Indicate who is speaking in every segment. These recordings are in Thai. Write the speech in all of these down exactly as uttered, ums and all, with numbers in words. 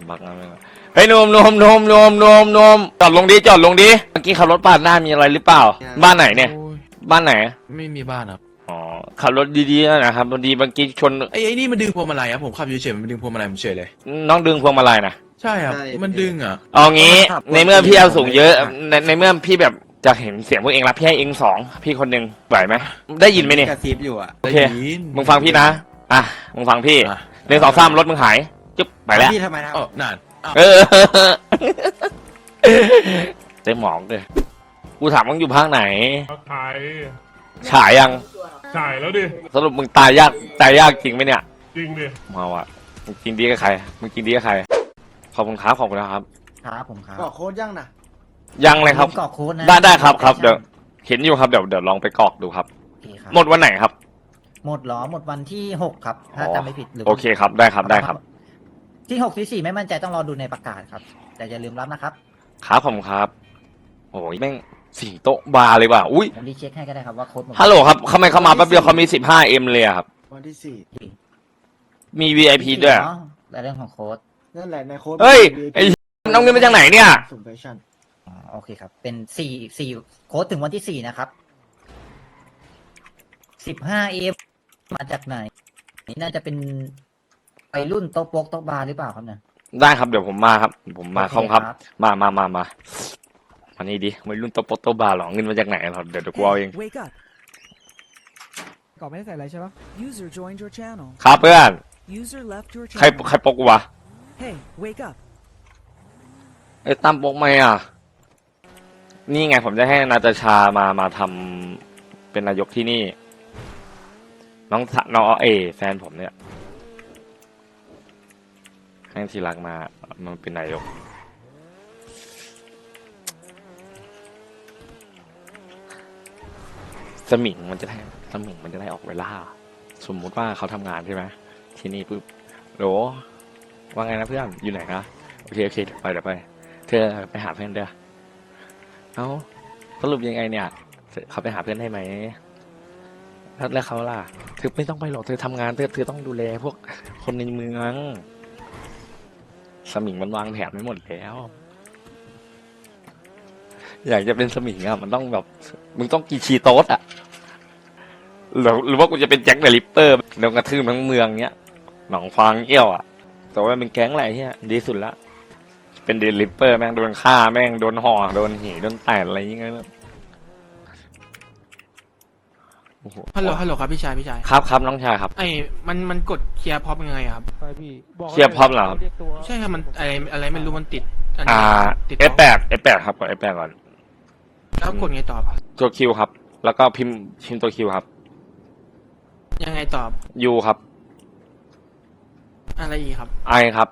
Speaker 1: บักนะเฮ้ยนมนมนมนมนมนมจอดลงดิจอดลงดิเมื่อกี้ขับรถปาดหน้ามีอะไรหรือเปล่าบ้านไหนเนี่ยบ้านไหน
Speaker 2: ไม่มีบ้านครับ
Speaker 1: อ๋อขับรถดีๆนะครับพอดีเมื่อกี้ชน
Speaker 2: ไอ้ไอ้นี่มันดึงพวงมาลัยครับผมขับเฉยๆมันดึงพวงมาลัยผมเฉยเลย
Speaker 1: น้องดึงพวงมาลัยนะ
Speaker 2: ใช่ครับมันดึงอ่ะ
Speaker 1: เอางี้ในเมื่อพี่เอาสูงเยอะในในเมื่อพี่แบบจะเห็นเสียงพวกเองรับพี่ให้เองสองพี่คนหนึ่งไหวไหมได้ยินไหมเนี่ย
Speaker 3: กระซิบอยู่อ่ะ
Speaker 1: โอเคมึงฟังพี่นะอ่ะมึงฟังพี่หนึ่งสองสามรถมึงหายจุ๊บไปแล้ว
Speaker 3: พี่ทำไมครับ
Speaker 2: อ๋อนาน
Speaker 1: เออเต็มหมองเลยกูถามมึงอยู่ภาคไหน
Speaker 4: ฉาย
Speaker 1: ฉายยัง
Speaker 4: ฉายแล้วดิ
Speaker 1: สรุปมึงตายยากตายยากจริงไหมเนี่ย
Speaker 4: จริงดิ
Speaker 1: มาว่ะมึงกินดีกับใครมึงกินดีกับใครขอบคุณครับขอบคุณนะครับ
Speaker 3: ครับผมครับกรอกโค้ดยังนะ
Speaker 1: ยังเลยครับ
Speaker 3: กรอกโค้ดนะ
Speaker 1: ได้ได้ครับครับเดี๋ยวเห็นอยู่ครับเดี๋ยวเดี๋ยวลองไปกรอกดูครับหมดวันไหนครับ
Speaker 3: หมดหรอหมดวันที่หกครับถ้าจำไม่ผิดหรือ
Speaker 1: โอเคครับได้ครับได้ครับ
Speaker 3: ที่หกที่สี่ไม่มั่นใจต้องรอดูในประกาศครับแต่อย่าลืมรับนะครับ
Speaker 1: ครับผมครับโอ้ยแม่งสี่โต๊ะบาร์เลยว่ะอุ้ย
Speaker 3: ผมรีเช็คให้ก็ได้ครับว่าโค้ด
Speaker 1: ฮัลโหลครับทำไมเขามาแป๊บเดียวเขามีสิบห้าเอ็มเลยครับ
Speaker 3: วันที่สี่
Speaker 1: มี วี ไอ พี ด้วย
Speaker 3: ในเรื่องของโค้ดนั่นแหละในโค้ด
Speaker 1: เฮ้ยไอ้น้องเงินมาจากไหนเนี่ย
Speaker 3: อ๋อโอเคครับเป็นสี่สี่โค้ดถึงวันที่สี่นะครับสิบห้าเอ็มมาจากไหนนี่น่าจะเป็นไปรุ่นโต๊ะโป๊กโต๊ะบาร์หรือเปล่าครับเนี่ย
Speaker 1: ได้ครับเดี๋ยวผมมาครับผมมาคอมครับมามามามาอันนี้ดิไม่รุ่นโต๊ะโป๊กโต๊ะบาร์หรอเงินมาจากไหนครับเดี๋ยวเดี๋ยวกูเอาเอง
Speaker 5: ก่อนไม่ได้ใส่อะไรใช่ปะ
Speaker 1: ครับเพื่อนใครใครปกวะไอ้ตั้มปกไหมอ่ะนี่ไงผมจะให้นาตาชามามาทำเป็นนายกที่นี่น้องน้องเอแฟนผมเนี่ยให้ทีรักมามันเป็นนายกสมิงมันจะได้สมิงมันจะได้ออกเวลาสมมุติว่าเขาทำงานใช่ไหมที่นี่ปุ๊บโหลว่าไงนะเพื่อนอยู่ไหนคะโอเคโอเคไปเดี๋ยวไปเธอไปหาเพื่อนเด้อเอ้าสรุปยังไงเนี่ยเขาไปหาเพื่อนได้ไหมแล้วเขาล่ะเธอไม่ต้องไปหรอกเธอทำงานเธอเธอต้องดูแลพวกคนในเมืองสมิงมันวางแผนไว้หมดแล้วอยากจะเป็นสมิงอ่ะมันต้องแบบมึงต้องกีชีโต๊ดอ่ะหรือหรือว่ากูจะเป็นแจ็คเดอะริปเปอร์โดนกระทืบทั้งเมืองเนี้ยหนองฟางเอี้ยวอ่ะแต่ว่าเป็นแก๊งอะไรเนี้ยดีสุดละเป็นเดอะริปเปอร์แม่งโดนฆ่าแม่งโดนห่อโดนหีโดนแตะอะไรอย่างเงี้ย
Speaker 2: ฮัลโหลฮัลโหลครับพี่ชายพี่ชาย
Speaker 1: ครับครับน้องชายครับ
Speaker 2: ไอ้มันมันกดเคลียร์พ็อปยังไงครับ
Speaker 5: ใช่พี่
Speaker 1: เคลียร์พ็อปเหรอครับ
Speaker 2: ใช่ครับมันอะไรอะไรไม่รู้มันติด
Speaker 1: อ่าเอฟแปดเอฟแปดครับกดเอฟแปดก่อน
Speaker 2: แล้วกดไงต่อ
Speaker 1: ตัวคิวครับแล้วก็พิมพ์พิมพ์ตัวคิวครับ
Speaker 2: ยังไงตอบ
Speaker 1: ยูครับ
Speaker 2: อะไรอีกครับ
Speaker 1: ไอครับ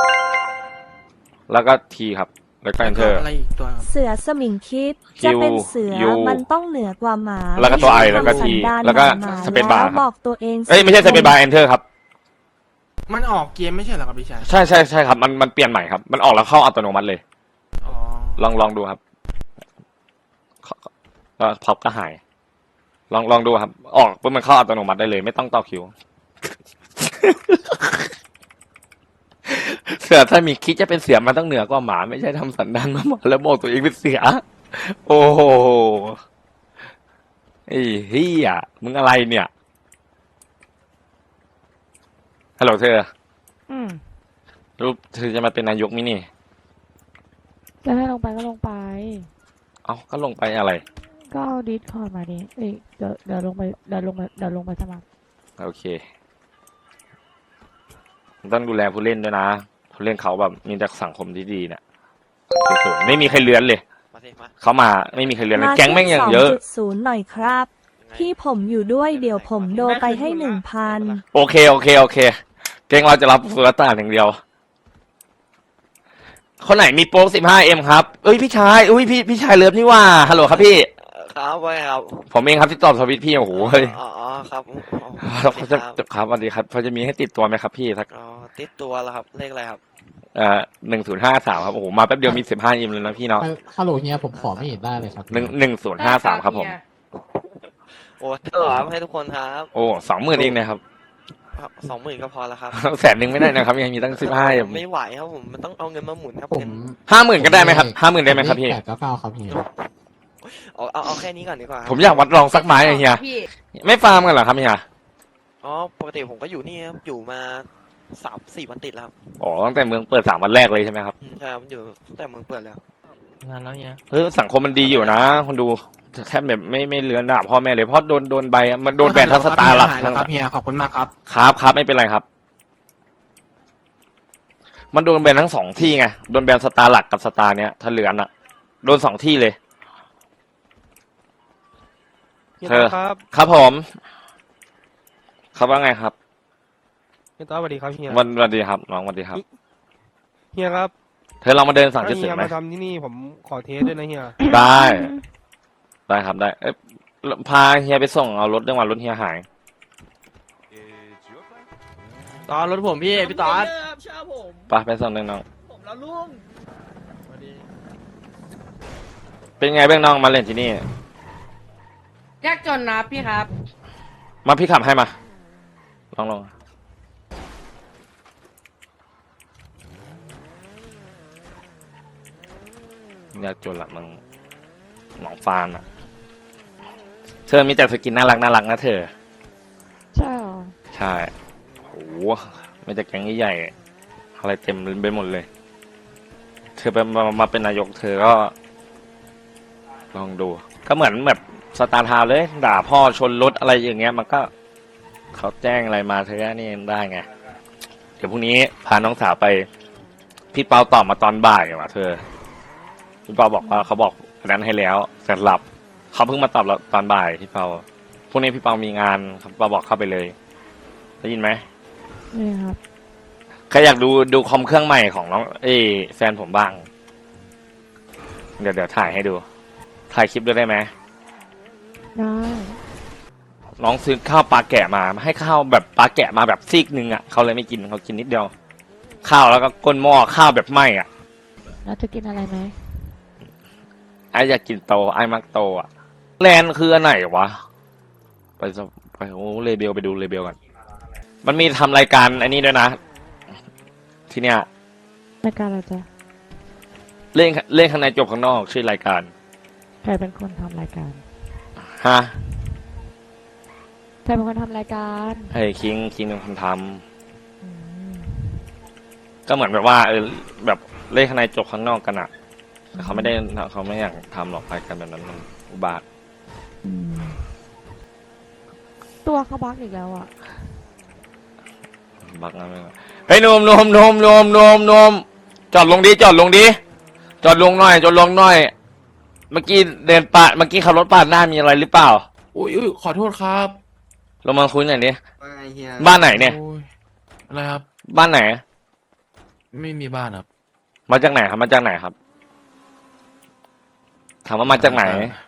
Speaker 1: แล้วก็ทีครับแล้วก็ enter
Speaker 2: อะไรอีกตัวครับ
Speaker 6: เสือสมิงคิดจะเป็นเสือมันต้องเหนือกว่าหมา
Speaker 1: แล้วก็ตัวไอแล้วก็ทีแล้วก็สเปซบาร์
Speaker 6: บอกตัวเอง
Speaker 1: เอ้ยไม่ใช่สเปซบาร์ enter ครับ
Speaker 2: มันออกเกมไม่ใช่เหรอครับพี่ชาย
Speaker 1: ใช่ใช่ใช่ครับมันมันเปลี่ยนใหม่ครับมันออกแล้วเข้าอัตโนมัติเลย
Speaker 2: อ๋อ
Speaker 1: ลองลองดูครับก็พับก็หายลองลองดูครับออกปุ๊บมันเข้าอัตโนมัติได้เลยไม่ต้องต่อคิวเสือถ้ามีคิดจะเป็นเสือมันต้องเหนือกว่าหมาไม่ใช่ทำสันดานมาหมดแล้วบอกตัวเองเป็นเสือโอ้โหไอ้เฮียมึงอะไรเนี่ยฮัลโหลเธอ
Speaker 6: อืม
Speaker 1: รูปเธอจะมาเป็นนายกมินี่
Speaker 6: จะให้ลงไปก็ลงไป
Speaker 1: เอ้าก็ลงไปอะไร
Speaker 6: ก็เอาดิสคอร์ดมาดิเอ้ยเดี๋ยวเดี๋ยวลงไปเดี๋ยวลงไปเดี๋ยวลงไปสมัคร
Speaker 1: โอเคต้องดูแลผู้เล่นด้วยนะผู้เล่นเขาแบบมีแต่สังคมที่ดีเนี่ยไม่มีใครเลื้อนเลยเขามาไม่มีใครเลื้อนแก๊งแม่งอย่างเยอะ
Speaker 6: ศูนย์หน่อยครับพี่ผมอยู่ด้วยเดี๋ยวผมโดไปให้หนึ่งพัน
Speaker 1: โอเคโอเคโอเคแก๊งเราจะรับสุรตาอย่างเดียวคนไหนมีโป๊กสิบห้าเอ็มครับเอ้ยพี่ชายอุ้ยพี่พี่ชายเลิฟนี่ว่าฮัลโหลครับพี่
Speaker 7: ครับไว้ครับ
Speaker 1: ผมเองครับที่ตอบสวิตพี่โอ้โหเฮ้ย
Speaker 7: อ๋อครับ
Speaker 1: เขาจะครับสวัสดีครับพอจะมีให้ติดตัวไหมครับพี่สัก
Speaker 7: อ๋อติดตัวแล้วครับเลขอะไรครับ
Speaker 1: เอ่อหนึ่งศูนย์ห้าสามครับโอ้โหมาแป๊บเดียวมีสิบห้าอิมเลยนะพี่เนาะ
Speaker 8: ฮัลโหลเฮียผมขอไม่เห็นได้เลยครับ
Speaker 1: หนึ่งหนึ่งศูนย์ห้าสามครับผม
Speaker 7: โอ้เท่าไหร่ให้ทุกคนครับ
Speaker 1: โอ้สองหมื่นเองนะครับ
Speaker 7: สองหมื่นก็พอแล้วครับ
Speaker 1: แสนหนึ่งไม่ได้นะครับยังมีตั้งสิบห้า
Speaker 7: ผมไม่ไหวครับผมมันต้องเอาเงินมาหมุนครับ
Speaker 8: ผ
Speaker 7: เงิ
Speaker 8: ม
Speaker 7: น
Speaker 1: ห้าหมื่นก็ได้ไหมครับห้าหมื่นได้ไหมครับพี่
Speaker 8: แปดเก้าเก้าครับเฮีย
Speaker 7: เอาเอาเอาแค่นี้ก่อนดีกว่าครับ
Speaker 1: ผมอยากวัดลองสักไม้อะเฮียไม่ฟาร์มกันเหรอครับเฮีย
Speaker 7: อ๋อปกติผมก็อยู่นี่ครับอยู่มาสามสี่วันติดแล้วครับ
Speaker 1: อ๋อตั้งแต่เมืองเปิดสามวันแรกเลยใช่ไหมครับ
Speaker 7: อืมใช่ครับอยู่ตั้งแต่เมืองเปิดแล้ว
Speaker 2: งานแล้วเนี่ย
Speaker 1: เฮ้ยสังคมมันดีอยู่นะคนดูแค่แบบไม่ไม่เลือนด่าพ่อแม่เลยเพราะโดนโดนใบอะมันโดนแบนทัศตาร์หลัก
Speaker 2: หายแล้วครับเฮียขอบคุณมากครับ
Speaker 1: ครับครับไม่เป็นไรครับ มันโดนแบนทั้งสองที่ไงโดนแบนสตาร์หลักกับสตาร์เนี้ยถ้าเลือนอะโดนสองที่เลยเธอ
Speaker 5: ครับ
Speaker 1: ครับผมครับว่าไงครับ
Speaker 5: เฮียต้อสวัสดีครับเฮีย
Speaker 1: วันวันดีครับน้องวันดีครับ
Speaker 5: เฮียครับ
Speaker 1: เธอลองมาเดินสั่งจุ
Speaker 5: ถ้า
Speaker 1: ด
Speaker 5: เฮี
Speaker 1: สิบ
Speaker 5: ย
Speaker 1: ไหม
Speaker 5: มาทำที่นี่ผมขอเทสด้วยนะเฮีย
Speaker 1: ได้ ได้ครับได้ เอ๊ะพาเฮียไปส่งเอารถเรื่องวันรถเฮียหาย
Speaker 2: ตอนรถผมพี่พี่ตอน
Speaker 1: ไปไปส่งเรื่องน้อง
Speaker 2: ผมแล้วลุง
Speaker 1: เป็นไงบ้างน้องมาเล่นที่นี่
Speaker 9: ยากจนนะพี่ครับ
Speaker 1: มาพี่ขับให้มา ลองลองยากจนละมึงหนองฟานอ่ะ เธอมีแต่สกินน่ารักน่ารักนะเธอ
Speaker 6: ใช่หรอ
Speaker 1: ใช่โหไม่แต่แก๊งใหญ่ๆอะไรเต็มไปหมดเลย เธอเป็นมามาเป็นนายกเธอก็ ลองดู ก็เหมือนแบบสตาร์ทาวน์เลย ด่าพ่อชนรถอะไรอย่างเงี้ย มันก็เขาแจ้งอะไรมาเธอก็นี่ได้ไง เดี๋ยวพรุ่งนี้พาน้องสาวไป พี่เปาตอบมาตอนบ่ายว่ะเธอ พี่เปาบอกว่าเขาบอกอันนั้นให้แล้วเสร็จหลับ เขาเพิ่งมาตอบเราตอนบ่ายพี่เปาพรุ่งนี้พี่เปามีงานครับเปาบอกเข้าไปเลย ได้ยินไหม
Speaker 6: นี่ครับ
Speaker 1: ใครอยากดูดูคอมเครื่องใหม่ของน้องเอ้ยแฟนผมบ้าง เดี๋ยวเดี๋ยวถ่ายให้ดู ถ่ายคลิปด้วยได้ไหม
Speaker 6: ได้
Speaker 1: น้องซื้อข้าวปลาแกะมาให้ข้าวแบบปลาแกะมาแบบซีกหนึ่งอ่ะเขาเลยไม่กินเขากินนิดเดียว ข้าวแล้วก็ก้นหม้อข้าวแบบไหม้อ่ะ
Speaker 6: แล้วจะกินอะไรไหม
Speaker 1: ไออยากกินโตไอมักโตอ่ะแลนด์คืออันไหนวะไปสไปโอ้เลเบลไปดูเลเบลกันมันมีทำรายการอันนี้ด้วยนะ ทีเนี้ย
Speaker 6: รายการอะไรจ๊ะ
Speaker 1: เล่นเล่นข้างในจบข้างนอกชื่อรายการ
Speaker 6: ใครเป็นคนทำรายการ
Speaker 1: ฮะ
Speaker 6: ใครเป็นคนทำรายการ
Speaker 1: เฮ้ยคิงคิงเป็นคนท
Speaker 6: อืม
Speaker 1: ำก็เหมือนแบบว่าเออแบบเล่นข้างในจบข้างนอกกันอ่ะแต่เขาไม่ได้เขาไม่อยากทำหรอกรายการแบบนั้นมันอุบาท
Speaker 6: อืมตัวเขาบักอีกแล้วอ่ะ
Speaker 1: บักนะไม่ว่าเฮ้ยนมนมนมนมนมนมจอดลงดิจอดลงดิจอดลงหน่อยจอดลงหน่อย เมื่อกี้เดินปาดเมื่อกี้ขับรถปาดหน้ามีอะไรหรือเปล่า
Speaker 2: อุ้ยอุ้ยขอโทษครับ
Speaker 1: ลงมาคุยหน่อยดิ
Speaker 10: ว่าไงเฮีย
Speaker 1: บ้านไหนเนี่ย
Speaker 2: โอ้ยอะไรครับ
Speaker 1: บ้านไหน
Speaker 2: ไม่มีบ้านครับ
Speaker 1: มาจากไหนครับมาจากไหนครับถามว่ามาจากไหน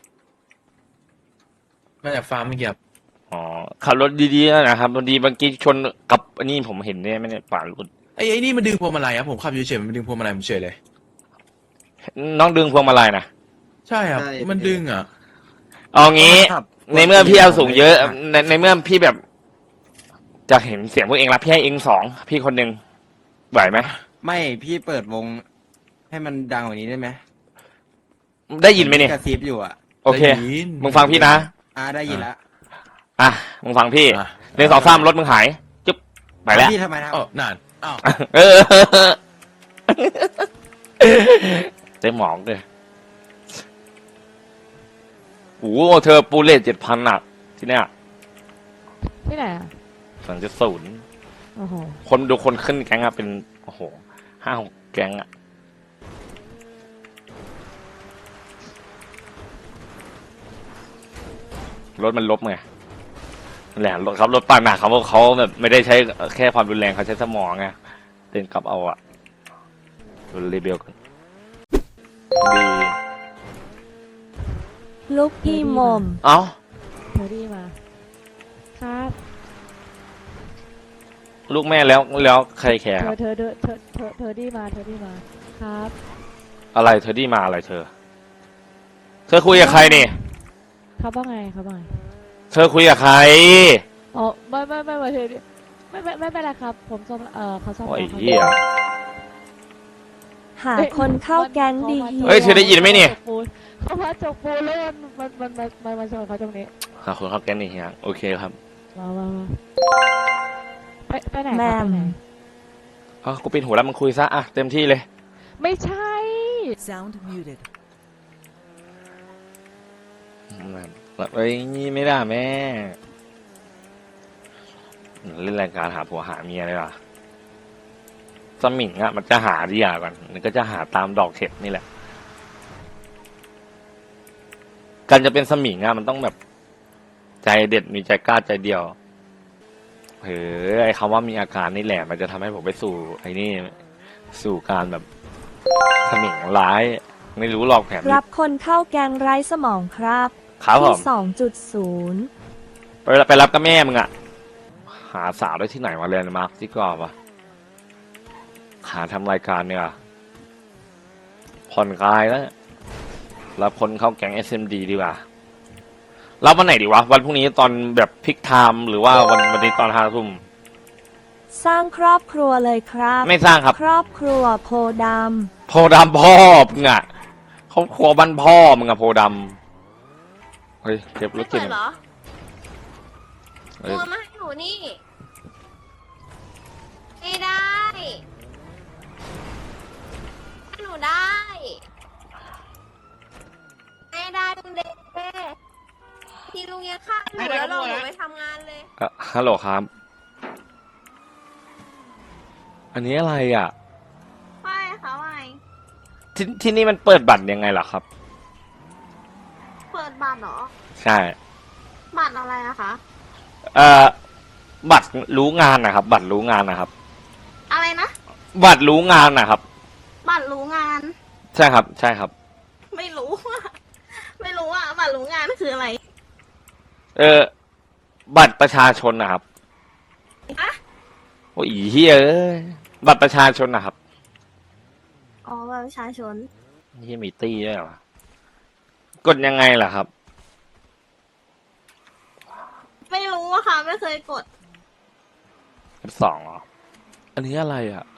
Speaker 2: มาจากฟาร์มไม่เกี่ยว
Speaker 1: อ๋อขับรถดีๆนะครับพอดีเมื่อกี้ชนกับอันนี้ผมเห็นเนี่ยไม่ได้ป่าดรถ
Speaker 2: ไอ้ไอ้นี่มันดึงพวงมาลัยครับผมขับอยู่เฉยๆมันดึงพวงมาลัยผมเฉยเลย
Speaker 1: น้องดึงพวงมาลัยนะ
Speaker 2: ใช่ครับ มันดึงอ่ะ
Speaker 1: เอางี้ ในเมื่อพี่เอาสูงเยอะในในเมื่อพี่แบบจะเห็นเสียงพวกเองรับพี่ให้เองสองพี่คนหนึ่งไหวไหม
Speaker 10: ไม่พี่เปิดวง ให้มันดังกว่านี้ได้ไหม
Speaker 1: ได้ยินไหมเนี่ย
Speaker 10: กระซิบอยู่อ่ะ
Speaker 1: โอเค
Speaker 2: ได้ยิน
Speaker 1: มึงฟังพี่นะ
Speaker 10: อ่าได้ยินแล้ว
Speaker 1: อ่ะมึงฟังพี่
Speaker 2: อ่ะ
Speaker 1: หนึ่งสองสามรถมึงหายจุ๊บไปแล้ว
Speaker 10: พี่ทำไมครับ
Speaker 2: เอ้านั่นอ้าว
Speaker 1: เออเต็มหมองเลยโอ้โหเธอปูเลทเจ็ดพันอ่ะ ที่เนี้ย
Speaker 6: ที่ไหนอ่ะ
Speaker 1: สองจุดศูนย์
Speaker 6: โอ้โห
Speaker 1: คนดูคนขึ้นแก๊งอะเป็น โอ้โหห้าหกแก๊งอะรถมันลบไงนั่นแหละรถครับรถปาดหนักเขาเขาแบบไม่ได้ใช้แค่ความรุนแรงเขาใช้สมองไงเดินกลับเอาอะดูรีเบลกันดี
Speaker 6: ลูกพี่มม
Speaker 1: เอ้า
Speaker 6: เธอดีมา ครับ
Speaker 1: ลูกแม่แล้วแล้วใครแคร์
Speaker 6: เธ
Speaker 1: ครั
Speaker 6: อบ เธอเธอเธอเธอเธอดีมา เธอดีมา ครับ
Speaker 1: อะไรเธอที่มาอะไรเธอ เธอคุยกับใครนี่
Speaker 6: เขาว่าไงเขาว่าไง
Speaker 1: เธอคุยกับใคร
Speaker 6: อ๋อไม่ไม่ไม่ไม่เธอดิ
Speaker 9: ไม่ไม่ไม่เป็นไรครับ ผมซ่อมเออเขาซ่อม
Speaker 1: โอ้ย
Speaker 9: แล้ว
Speaker 1: เหี้ย
Speaker 6: หาคนเข้าแก๊งดีเฮี
Speaker 1: เฮ้ยเธอได้ยินไหมเนี่ย
Speaker 9: เขามาจกปูนแล้วมันมันมันมันมันชนเขาตรงนี้
Speaker 1: หาคนเข้าแก๊งนี่เฮียโอเคครับ
Speaker 9: มามามาไปไปไหนครับ
Speaker 6: แม
Speaker 9: ไป
Speaker 6: ม
Speaker 9: ไหน
Speaker 1: เอ้ากูปิดหูแล้วมึงคุยซะอ่ะเต็มที่เลย
Speaker 9: ไม่ใช่
Speaker 11: Sound muted.
Speaker 1: เอ้ยนี่ไม่ได้แม่เล่นรายการหาผัวหาเมียเลยว่ะสมิงอ่ะมันจะหาดีอ่ะก่อนมันก็จะหาตามดอกเห็ดนี่แหละการจะเป็นสมิงอ่ะมันต้องแบบ ใจเด็ดมีใจกล้าใจเดียวเฮ้ยไอ้คำว่ามีอาการนี่แหละ มันจะทำให้ผมไปสู่ไอ้นี่ สู่การแบบสมิงร้าย ไม่รู้หรอกแผน
Speaker 6: รับคนเข้าแก๊งไร้สมองครับ
Speaker 1: ครับผ
Speaker 6: ที่
Speaker 1: ม
Speaker 6: สองจุดศูนย์
Speaker 1: ไปไปรับกับแม่มึงอ่ะ หาสาวได้ที่ไหนมาเรียนมาร์คที่ก่อนวะหาทำรายการเนี่ยผ่อนคลายแล้วรับคนเข้าแก๊ง เอส เอ็ม ดี ดีกว่ารับวันไหนดีวะ วันพรุ่งนี้ตอนแบบพิกไทม์หรือว่าวันวันนี้ตอนห้าทุ่ม
Speaker 6: สร้างครอบครัวเลยครับ
Speaker 1: ไม่สร้างครับ
Speaker 6: ครอบครัวโพด
Speaker 1: โพดำพ่อมึงอ่ะครอบครัวบ้านพ่อมึงอะโพดำเฮ้ยเก็บรถเก็บเฮ้ย
Speaker 9: ตัวมาให้หนูนี่ ไม่ได้ ให้หนูได้ ไม่ได้ลุงเดที่ลุงยังฆ่าหนูแล้วเราหนูไปทำงานเลย
Speaker 1: เอ่อฮัลโหลครับ อันนี้อะไรอ่ะ
Speaker 9: ไม่ค่ะไม่
Speaker 1: ที่ที่นี่มันเปิดบัตรยังไงล่ะครับ
Speaker 9: เปิดบัตรเหรอ
Speaker 1: ใช่
Speaker 9: บัตรอะไรอะคะ
Speaker 1: เอ่อบัตรรู้งานนะครับ บัตรรู้งานนะครับ
Speaker 9: อะไรนะ
Speaker 1: บัตรรู้งานนะครับ
Speaker 9: บัตรรู้งาน
Speaker 1: ใช่ครับ ใช่ครับ
Speaker 9: ไม่รู้อะไม่รู้อะบัตรรู้งานคืออะไร
Speaker 1: เออบัตรประชาชนนะครับ
Speaker 9: อะ
Speaker 1: โอ้ยเฮียเอ้ยบัตรประชาชนนะครับ
Speaker 9: อ๋อบัตรประชาชน
Speaker 1: เฮียมีตี้ด้วยเหรอกดยังไงล่ะครับ
Speaker 9: ไม่รู้อะค่ะ ไม่เคยกด
Speaker 1: สองเหรอ อันนี้อะไรอ่ะ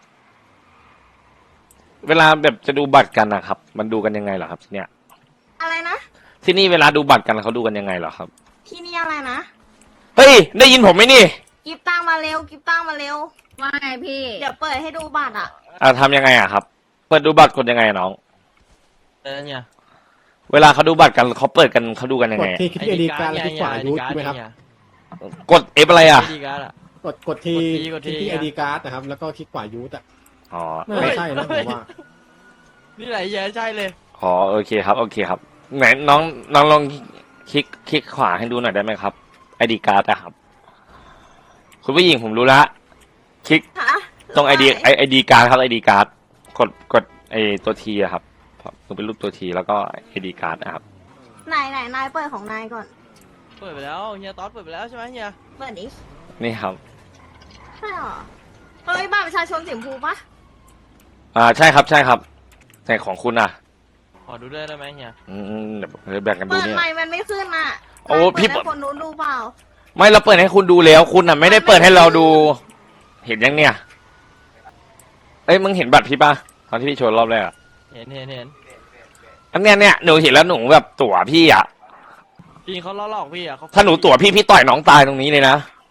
Speaker 1: เวลาแบบจะดูบัตรกันนะครับ มันดูกันยังไงเหรอครับที่เนี่ย
Speaker 9: อะไรนะ
Speaker 1: ที่นี่เวลาดูบัตรกันเขาดูกันยังไงเหรอครับ
Speaker 9: ที่นี่อะไรนะ
Speaker 1: เฮ้ย ได้ยินผมไหมนี่
Speaker 9: กิฟตั้งมาเร็ว กิฟตั้งมาเร็ว ว่าไงพี่ เดี๋ยวเปิดให้ดูบัตรอะ
Speaker 1: อ่าทำยังไงอ่ะครับ เปิดดูบัตรกดยังไงอะน้อง
Speaker 2: เออเนี่ย
Speaker 1: เวลาเขาดูบัตรกันเขาเปิดกันเขาดูกันยัง
Speaker 5: ก
Speaker 1: ไง
Speaker 5: ด
Speaker 1: อะ
Speaker 5: ที่คลิกไอดีการ์ดแล้วคลิกขวายูทใช่ไหมครับ
Speaker 1: กดเอฟอะไรอ่ะ
Speaker 2: ไอดีการ์ดอะ
Speaker 5: กดกดที่
Speaker 2: กดที่
Speaker 5: คลิกที่
Speaker 2: ก
Speaker 5: ไอ
Speaker 2: ดที่
Speaker 5: ดีการ์ดนะครับ แล้วก็คลิกขวายูทอ่ะ
Speaker 1: อ๋อ
Speaker 5: ไม่ใช่นะผมว่า
Speaker 2: นี่แหละเหี้ยใช่เลย
Speaker 1: อ๋อโอเคครับ โอเคครับ ไหนน้องน้องลองคลิกคลิกขวาให้ดูหน่อยได้ไหมครับไอดีการ์ดอะครับ คุณผู้หญิงผมรู้ละคลิก
Speaker 9: ฮะ
Speaker 1: ตรงไอดีไอไอดีการ์ดครับไอดีการ์ดกดกดไอตัวทีอะครับมันเป็นรูปตัวทีแล้วก็ไอดีการ์ดนะครับ
Speaker 9: ไหนไหนนายเปิดของนายก่อน
Speaker 2: เปิดไปแล้วเฮียต๊อดเปิดไปแล้วใช่ไหมเฮีย
Speaker 9: เปิดดิ
Speaker 1: นี่ครับ
Speaker 9: ใช่เหรอ เฮ้ยบัตรประชาชนสีชมพูปะ
Speaker 1: อ่าใช่ครับใช่ครับแต่ของคุณอ่ะ
Speaker 2: ขอดูด้วยได้ไหมเฮีย
Speaker 1: อืมเดี๋ยวเดี๋ยวแบ่งกันดู
Speaker 9: เปิด
Speaker 1: เนี่ย
Speaker 9: ใหม่มันไม่ขึ้นอ่ะ
Speaker 1: โอ้
Speaker 9: นายเปิด
Speaker 1: พี่
Speaker 9: ให้คนนู้นดูเปล่า
Speaker 1: ไม่เราเปิดให้คุณดูแล้วคุณอ่ะไม่ได้เปิดให้เราดู เห็นยังเนี่ย เอ้ยมึงเห็นบัตรพี่ปะตอนที่พี่โชว์รอบแรกอะ
Speaker 2: เห็นเห็นเห็น
Speaker 1: อันเนี้ยเนี่ยหนูเห็นแล้วหนูแบบตั๋วพี่อ่ะ
Speaker 2: จริงเขาล้อหลอกพี่อ่ะเขา
Speaker 1: ถ้าหนูตั๋วพี่พี่ต่อยน้องตายตรงนี้เลยนะ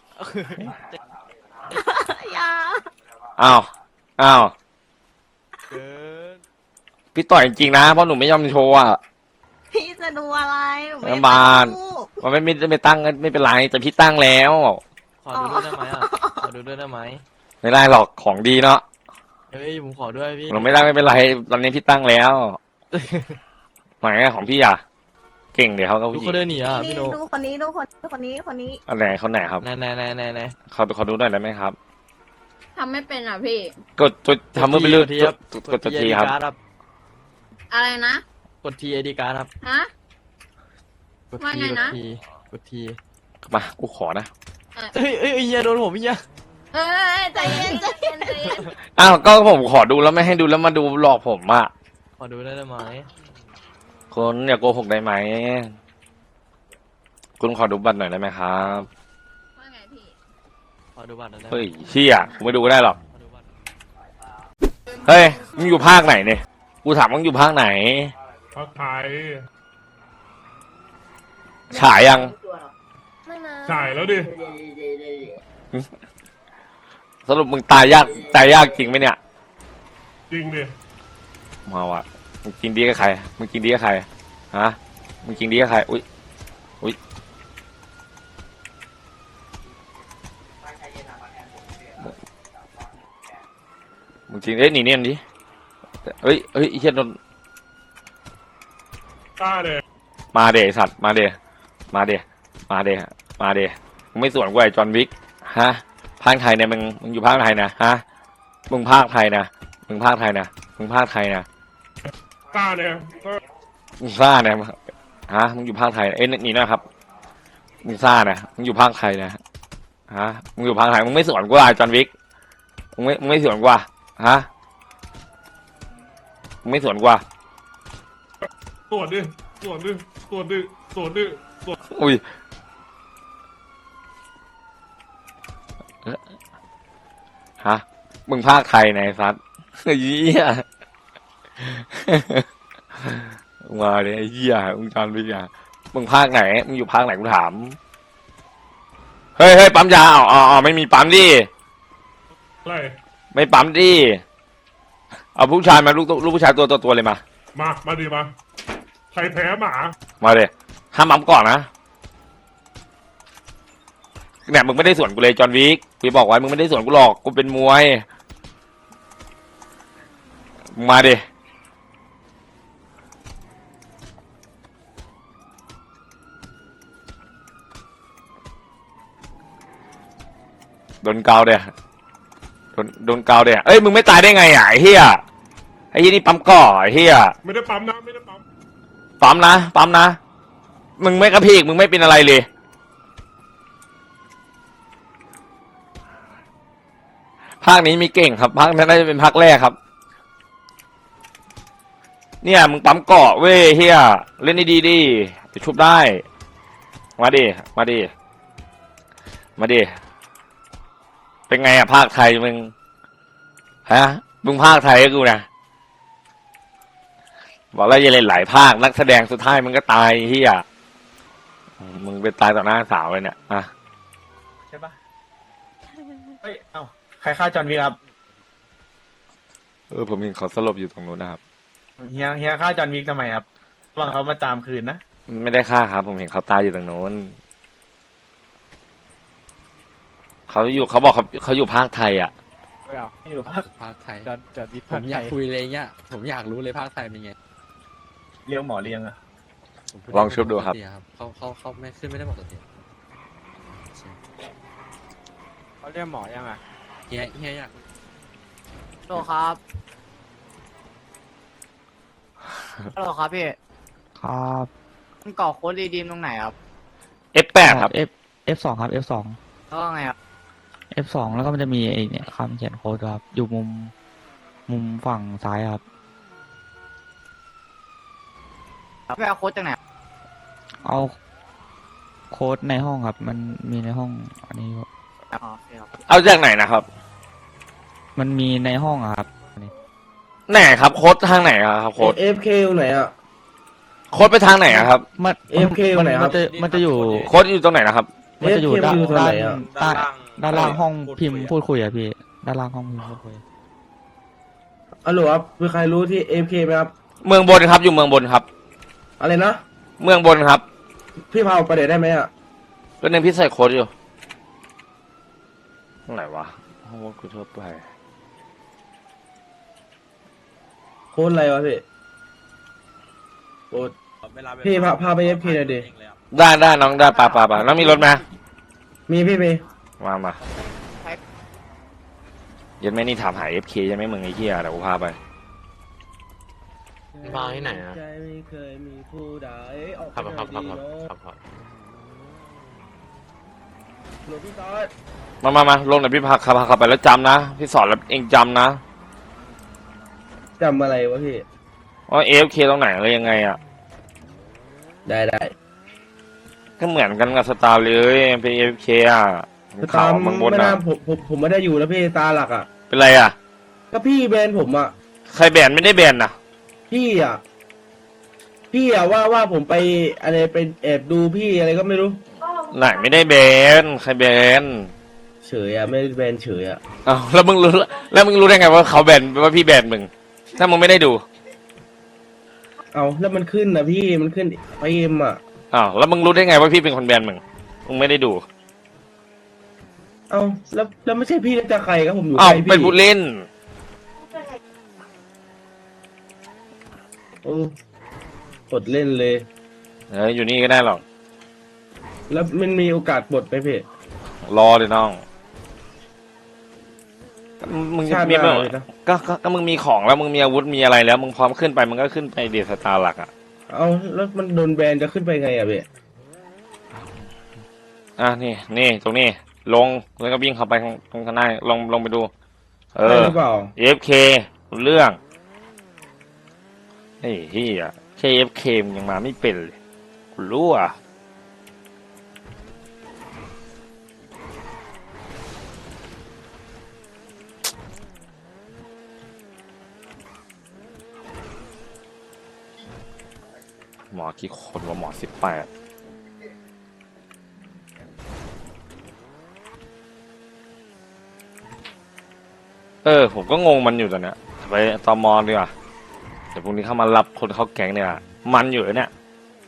Speaker 9: อย่า
Speaker 1: อ้าวอ้าว
Speaker 2: เกิน
Speaker 1: พี่ต่อยจริงๆนะเพราะหนูไม่ยอมโชว์อ่ะ
Speaker 9: พี่จะดูอะไรหนูไม่
Speaker 1: น้ำบาน
Speaker 9: รู้
Speaker 1: มันไม่ไม่ไม่ตั้งไม่เป็นไรแต่พี่ตั้งแล้ว
Speaker 2: ขอดูด้วยได้ไหมอ่ะขอดูด้วยได้ไหม
Speaker 1: ไม่ได้หรอกของดีเนาะ
Speaker 2: เฮ้ยผมขอด้วยพี่
Speaker 1: หนูไม่ได้ไม่เป็นไรตอนนี้พี่ตั้งแล้วไหนอะของพี่อ่ะเก่งเดี๋ยวเขาก็
Speaker 2: ดู
Speaker 1: ผู้หญิ
Speaker 2: เขา
Speaker 1: ง
Speaker 2: เดินหนีอ่ะ
Speaker 9: นี่
Speaker 2: พี่โน
Speaker 9: ดูคนนี้ดูคนคนนี้คนนี้
Speaker 1: อันไหนเขาไหนครับ
Speaker 2: ไหนไหนไหนไหนไหน
Speaker 1: เขาขอดูหน่อยได้ไหมครับ
Speaker 9: ทำไม่เป็นอ่ะพี่
Speaker 1: กดตัวทำมือไปเรื่อย
Speaker 2: ที
Speaker 1: ก
Speaker 2: ครับ
Speaker 1: ดกดตัวทีครับ
Speaker 2: ครับ
Speaker 9: อะไรนะ
Speaker 2: กดทีไอดีการ์ดครับ
Speaker 9: ฮะ
Speaker 2: กด
Speaker 9: ว่า
Speaker 2: ที
Speaker 9: ไง
Speaker 2: กด
Speaker 9: นะ
Speaker 2: ทีกดที
Speaker 1: มากูขอนะ
Speaker 2: เฮ้ยเฮ้ยเฮียโดนผมเฮีย
Speaker 9: เอ้ยใจเย็นใจเย็นใจเย็น
Speaker 1: อ้าวก็ผมขอดูแล้วไม่ให้ดูแล้วมาดูหลอกผมอ่ะ
Speaker 2: ขอดูได้ไหม
Speaker 1: คุณอย่าโกหกได้ไหมคุณขอดูบัตรหน่อยได้ไหมครับ
Speaker 9: ว่าไงพี่
Speaker 2: ขอดูบัตรหน่อยได้ไหม
Speaker 1: เฮ้ยเชี่ยกูไม่ดูก็ได้หรอก
Speaker 2: ขอดูบัตร
Speaker 1: เฮ้ยมึงอยู่ภาคไหนเนี่ยกูถามมึงอยู่ภาคไหน
Speaker 4: พักไทย
Speaker 1: ฉายยัง
Speaker 9: ไม่มา
Speaker 4: ฉายแล้วดิ
Speaker 1: สรุปมึงตายยากตายยากจริงไหมเนี่ย
Speaker 4: จริงดิ
Speaker 1: มาว่ะมึงกินดีกับใครมึงกินดีกับใครฮะมึงกินดีกับใครอุ้ยอุ้ยมึงกินเอ้ยหนีเนี่ยดิเฮ้ยเฮ้ยไอ้เหี้ยโดน
Speaker 4: กล้าเลย
Speaker 1: มาเดสัตว์มาเดมาเดมาเดมาเดมึงไม่สวนกูไอ้จอห์นวิกฮะภาคไทยเนี่ยมึงมึงอยู่ภาคไทยนะฮะมึงภาคไทยนะมึงภาคไทยนะมึงภาคไทยนะ
Speaker 4: กล้าเนี่ยก็
Speaker 1: มึงซ่านะฮะมึงอยู่ภาคไทยเอ้ยนี่นะครับมึงซ่านะมึงอยู่ภาคไทยนะฮะมึงอยู่ภาคไทยมึงไม่สวนกูไอ้จอห์นวิกมึงไม่มึงไม่สวนกูฮะมึงไม่สวนกู
Speaker 4: ตรวจดิตรวจดิตรวจดิตรวจดิตรวจ
Speaker 1: อุ้ยฮะมึงภาคไทยไหนซัดไอ้เหี้ยมาเลยไอ้เหี้ยมึงจอนไปอ่ะมึงภาคไหนมึงอยู่ภาคไหนกูถามเฮ้ยเฮ้ยปั๊มยาอ๋ออ๋อไม่มีปั๊มดิ
Speaker 4: อะไร
Speaker 1: ไม่ปั๊มดิเอาผู้ชายมาลูกลูกผู้ชายตัวตัวตัวเลยมา
Speaker 4: มา มาดิมา ใครแพ้หมา
Speaker 1: มาเลยห้ามปั๊มก่อนนะเนี่ยมึงไม่ได้สวนกูเลยจอห์นวิกกูบอกไว้มึงไม่ได้สวนกูหรอกกูเป็นมวยมึงมาดิโดนเกาเดี๋ยโดนโดนเกาเดี๋ยเอ้ยมึงไม่ตายได้ไงอ่ะไอ้เหี้ยไอ้ยี่นี่ปั๊มก่อไอ้เหี้ย
Speaker 4: ไม่ได้ปั๊มนะ ไม่ได้ปั๊ม
Speaker 1: ปั๊มนะปั๊มนะมึงไม่กระพีกมึงไม่เป็นอะไรเลยภาคนี้มีเก่งครับภาคนั้นน่าจะเป็นภาคแรกครับเนี่ยมึงปั๊มเกาะเว้ยเฮียเล่นดีๆดิจะชุบได้มาดิมาดิมาดิเป็นไงอะภาคไทยมึงฮะมึงภาคไทยให้กูนะบอกแล้วอย่าเล่นหลายภาคนักแสดงสุดท้ายมึงก็ตายเฮียมึงไปตายต่อหน้าสาวเลยเนี่ยอะ
Speaker 11: ใช่ปะเฮ้ย เอ้า ใครฆ่าจอห์นวิกครับ
Speaker 1: เออผมเห็นเขาสลบอยู่ตรงนู้นนะครับ
Speaker 11: เฮีย เฮียฆ่าจอห์นวิกทำไมครับหวังเขามาตามคืนนะ
Speaker 1: ไม่ได้ฆ่าครับ ผมเห็นเขาตายอยู่ตรงนู้นเขาอยู่เขาบอกเขาเขาอยู่ภาคไทยอ่ะ
Speaker 11: ไม่เอาไม่อยู่ภาค
Speaker 8: ภาคไทย
Speaker 11: จอห์นจอห์นวิก
Speaker 8: ผมอยากคุยเลยเนี่ยผมอยากรู้เลยภาคไทยเป็นไง
Speaker 11: เลี้ยงหมอเลี้ยงอะ
Speaker 8: ผมพู
Speaker 1: ลองชุบดูครับ
Speaker 8: ปกติเขาเขาเขาไม่ขึ้นไม่ได้ปกติ
Speaker 11: เขาเรียกหมอยังอะ
Speaker 8: เฮียเฮียอยาก
Speaker 3: โลครับฮัลโหลครับพี่
Speaker 12: ครับ
Speaker 3: มันก่อโค้ดรีดีมตรงไหนครับ
Speaker 1: เอฟ แปด ครับ
Speaker 12: F F สองครับ F สอง
Speaker 3: แล้วก็ไงครับ
Speaker 12: F สองแล้วก็มันจะมีไอเนี่ยคำเขียนโค้ดครับ อยู่มุม มุมฝั่งซ้ายครับ
Speaker 3: ไปเอาโค้ดจากไหน
Speaker 12: เอาโค้ดในห้องครับ มันมีในห้อง อันนี้
Speaker 3: อ๋อโอเคครับ
Speaker 1: เอาจากไหนนะครับ
Speaker 12: มันมีในห้องอะครับ
Speaker 1: ไหนครับโค้ดทางไหนอะครับโค้ด
Speaker 5: เอฟเคไหนอ่ะ
Speaker 1: โค้ดไปทางไหนอะครับ
Speaker 12: มัน
Speaker 5: AFK
Speaker 12: มั
Speaker 5: ไหนครับ
Speaker 12: มันจะมันจะอยู่
Speaker 1: โค้ดอยู่ตรงไหนนะครับ
Speaker 12: มันจะอยู่ด้าน
Speaker 5: AFK อยู่ตรง
Speaker 12: ด้า
Speaker 5: ไห
Speaker 12: น
Speaker 5: นอะ
Speaker 12: ใต้ด้านล่างห้องพิมพ์พูดคุยอะพี่ ด้านล่างห้องพิมพ์พูดคุย
Speaker 5: อัลโหลครับมีใครรู้ที่เอฟเคไหมครับ
Speaker 1: เมืองบนครับอยู่เมืองบนครับ
Speaker 5: อะไรนะ
Speaker 1: เมืองบนครับ
Speaker 5: พี่พาไปเดี๋ยวได้ไหมอ่ะ
Speaker 1: ก็นึงพี่ใส่โค้ดอยู่ตรงไหนวะโอ้กูทั่วไป
Speaker 5: โค้ดอะไรวะพี่โค้ดพี่พาพาไปเอฟเคหน่อยดิ
Speaker 1: ได้ได้น้องได้ปาปาปาน้องมีรถไหม
Speaker 5: มีพี่มี
Speaker 1: มามายันไม่นี่ถามหา เอฟ เค ยังไม่มึงไอ้เหี้ยเดี๋ยวกูพาไป
Speaker 2: มาที่ไหนอะ
Speaker 5: ใจไม่เคยมีผู้ใดออก
Speaker 2: ครับ
Speaker 5: ไป
Speaker 2: ครับครับ
Speaker 5: ดี
Speaker 2: ครับ
Speaker 5: เนอะ
Speaker 2: ครับครับ
Speaker 5: หลวงพี่ซอส
Speaker 1: มามามาลงหน่อยพี่พาขับขับไปแล้วจำนะ พี่สอนแล้วเองจำนะ
Speaker 5: จำอะไรวะพี่
Speaker 1: ว่า เอฟ เค ตรงไหนอะไรยังไงอ่ะ
Speaker 5: ได้ได้
Speaker 1: ก็เหมือนกันกับสตาร์เลยเป็น เอฟ เค อ่ะมีข่าวบางบน
Speaker 5: ไม่
Speaker 1: อ่ะ
Speaker 5: น่าผมผมผมไม่ได้อยู่แล้วพี่ตาหลักอ่ะ
Speaker 1: เป็นไรอ่ะ
Speaker 5: ก็พี่แบนผมอ่ะ
Speaker 1: ใครแบนไม่ได้แบนนะ
Speaker 5: พี่อ่ะ พี่อ่ะว่าว่าผมไปอะไรไปแอบดูพี่อะไรก็ไม่รู้
Speaker 1: ไหนไม่ได้แบนใครแบน
Speaker 5: เฉยอ่ะไม่ได้แบนเฉยอ่ะ
Speaker 1: อ้าวแล้วมึงรู้แล้วมึงรู้ได้ไงว่าเขาแบนว่าพี่แบนมึงถ้ามึงไม่ได้ดู
Speaker 5: เอาแล้วมันขึ้นนะพี่มันขึ้นไอเอ็มอ่ะ
Speaker 1: อ้าวแล้วมึงรู้ได้ไงว่าพี่เป็นคนแบนมึงมึงไม่ได้ดู
Speaker 5: เอาแล้วแล้วไม่ใช่พี่แล้วจะใครครับผมอยู่
Speaker 1: อ้าว
Speaker 5: ใครพี่
Speaker 1: เป็นผู้เล่น
Speaker 5: เออ กดเล่นเลย
Speaker 1: เอออยู่นี่ก็ได้หรอก
Speaker 5: แล้วมันมีโอกาสปลดไหมพี่
Speaker 1: รอเลยน้องก็มึงจะ
Speaker 5: ชาติ
Speaker 1: มี
Speaker 5: หน้าเลยนะ
Speaker 1: ก็ก็ก็มึงมีของแล้วมึงมีอาวุธมีอะไรแล้ว มึงพร้อมขึ้นไปมึงก็ขึ้นไปเดสตาร์หลักอ่ะ
Speaker 5: เอาแล้วมันโดนแบนจะขึ้นไปไงอ่ะพี่
Speaker 1: อ่ะนี่นี่ตรงนี้ลงแล้วก็วิ่งเข้าไปข้างข้างหน้าลงลงไปดู เอ
Speaker 5: ใช่
Speaker 1: อ
Speaker 5: หรือเปล่า
Speaker 1: เอฟเคเรื่องไอ้เฮียแค่เอฟเคมยังมาไม่เป็นเลยกูรู้อ่ะหมอกี่คนว่าหมอสิบแปดเออผมก็งงมันอยู่ตอนเนี้ยไปตอมอดีกว่าเดี๋ยวพรุ่งนี้เข้ามารับคนเข้าแก๊งเนี่ยมันอยู่เนี่ย